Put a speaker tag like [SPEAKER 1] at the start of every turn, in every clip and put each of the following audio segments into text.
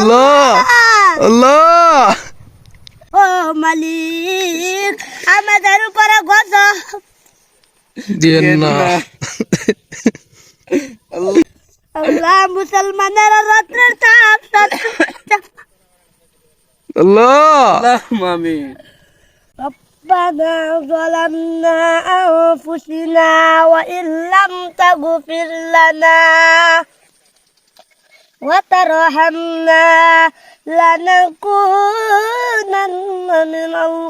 [SPEAKER 1] আল্লাহ আল্লাহ
[SPEAKER 2] ও মালিক আমাদের উপরে গজব
[SPEAKER 1] দিয়েন না
[SPEAKER 2] আল্লাহ মুসলমানের রাত্রের তাপ
[SPEAKER 1] আল্লাহ
[SPEAKER 3] আমিন
[SPEAKER 2] ربنا ظلمنا أنفسنا وإن لم تغفر لنا وترحمنا لنكونن من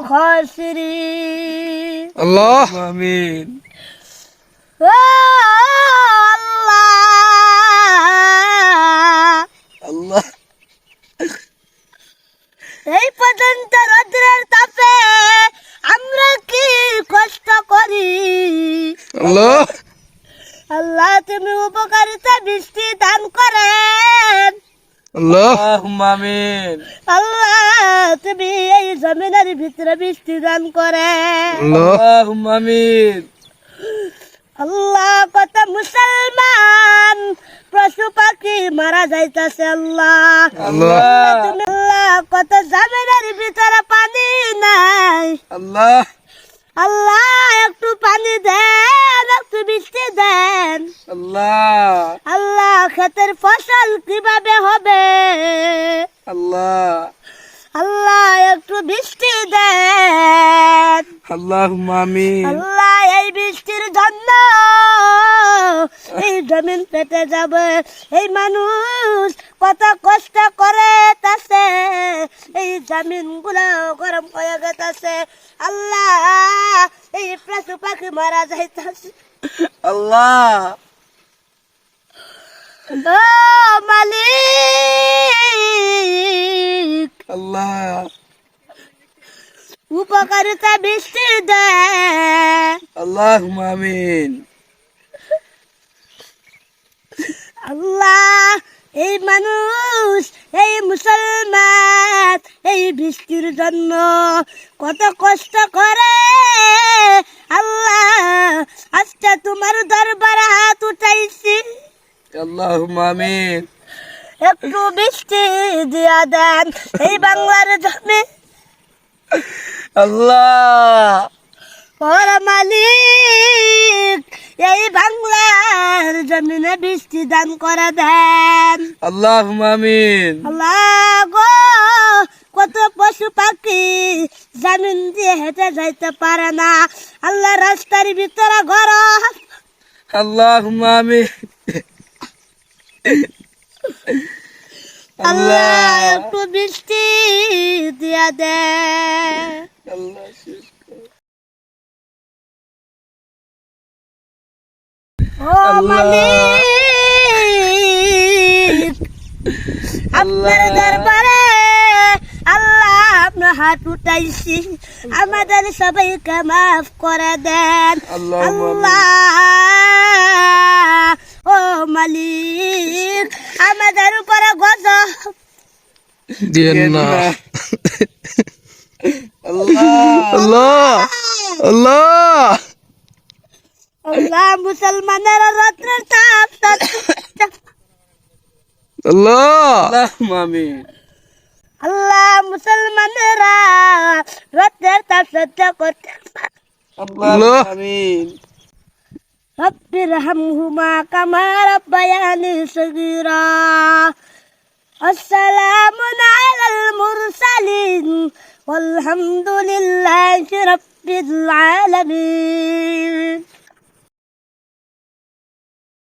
[SPEAKER 2] الخاسرين
[SPEAKER 1] আল্লাহ
[SPEAKER 3] আমিন
[SPEAKER 2] আল্লাহ
[SPEAKER 3] আল্লাহ
[SPEAKER 2] এই পর্যন্ত রোদ্রের তাপে আমরা কি কষ্ট করি
[SPEAKER 1] আল্লাহ
[SPEAKER 2] আল্লাহ তুমি উপকারিতা বৃষ্টি দান করেন
[SPEAKER 1] আল্লাহ
[SPEAKER 3] আমিন
[SPEAKER 2] আল্লাহ তুমি এই জমিনের ভিতরে বৃষ্টি দান করেন
[SPEAKER 1] আল্লাহ
[SPEAKER 3] আমিন
[SPEAKER 2] আল্লাহ কত মুসলমান পশু পাখি মারা যাইতাছে আল্লাহ
[SPEAKER 1] আল্লাহ
[SPEAKER 2] তুমি আল্লাহ কত জমিনের ভিতরে পানি নাই
[SPEAKER 3] আল্লাহ
[SPEAKER 2] আল্লাহ একটু পানি দেন একটু বৃষ্টি দেন
[SPEAKER 3] আল্লাহ
[SPEAKER 2] আল্লাহ ক্ষেতের ফসল কিভাবে হবে
[SPEAKER 3] আল্লাহ
[SPEAKER 2] আল্লাহ একটু বৃষ্টি দেন
[SPEAKER 3] আল্লাহ আমিন
[SPEAKER 2] আল্লাহ এই বৃষ্টির জন্য এই জমিন পেতে যাবে এই মানুষ কত কষ্ট করে তাছে এই জমিন গুলো গরম হয়ে গেছে আল্লাহ এই পশু পাখি মারা যাইতাছে
[SPEAKER 3] আল্লাহ
[SPEAKER 2] ও মালিক
[SPEAKER 3] আল্লাহ
[SPEAKER 2] উপকারিতা বৃষ্টি দেয়
[SPEAKER 3] আল্লাহ আমিন
[SPEAKER 2] আল্লাহ এই মানুষ এই মুসলমান এই বৃষ্টির জন্য কত কষ্ট করে আল্লাহ আজকে তোমার দরবারে হাত উঠাইছি
[SPEAKER 3] আল্লাহ আমিন
[SPEAKER 2] একটু বৃষ্টি দিয়া দেন এই বাংলার জমি
[SPEAKER 3] আল্লাহ
[SPEAKER 2] ওর মালিক এই বাংলার জমিনে বৃষ্টি দান করে দেন
[SPEAKER 3] আল্লাহ আমিন
[SPEAKER 2] আল্লাহ গো কত পশু পাখি জমিন দিয়ে হেঁটে যাইতে পারে না আল্লাহ রাস্তার ভিতরে গরম
[SPEAKER 3] আল্লাহ আমিন
[SPEAKER 2] আল্লাহ একটু বৃষ্টি দিয়া দেন
[SPEAKER 3] আল্লাহ
[SPEAKER 2] ও মালিক আপনার দরবারে আল্লাহ আপনার হাত উঠাইছি আমাদের সবাইকে মাফ করে দেন আল্লাহ ও মালিক আমাদের উপরে গজব
[SPEAKER 1] দিয়েন না
[SPEAKER 3] আল্লাহ
[SPEAKER 1] আল্লাহ আল্লাহ
[SPEAKER 2] আল্লাহ মুসলমানের রাত্রের তাপ
[SPEAKER 1] আল্লাহ
[SPEAKER 3] আমিন
[SPEAKER 2] আল্লাহ মুসলমানেরা রাত্রের তাপ সহ্য করতে
[SPEAKER 3] আল্লাহ আমিন
[SPEAKER 2] رب ارحمهما كما ربياني صغيرا السلام على المرسلين والحمد لله رب العالمين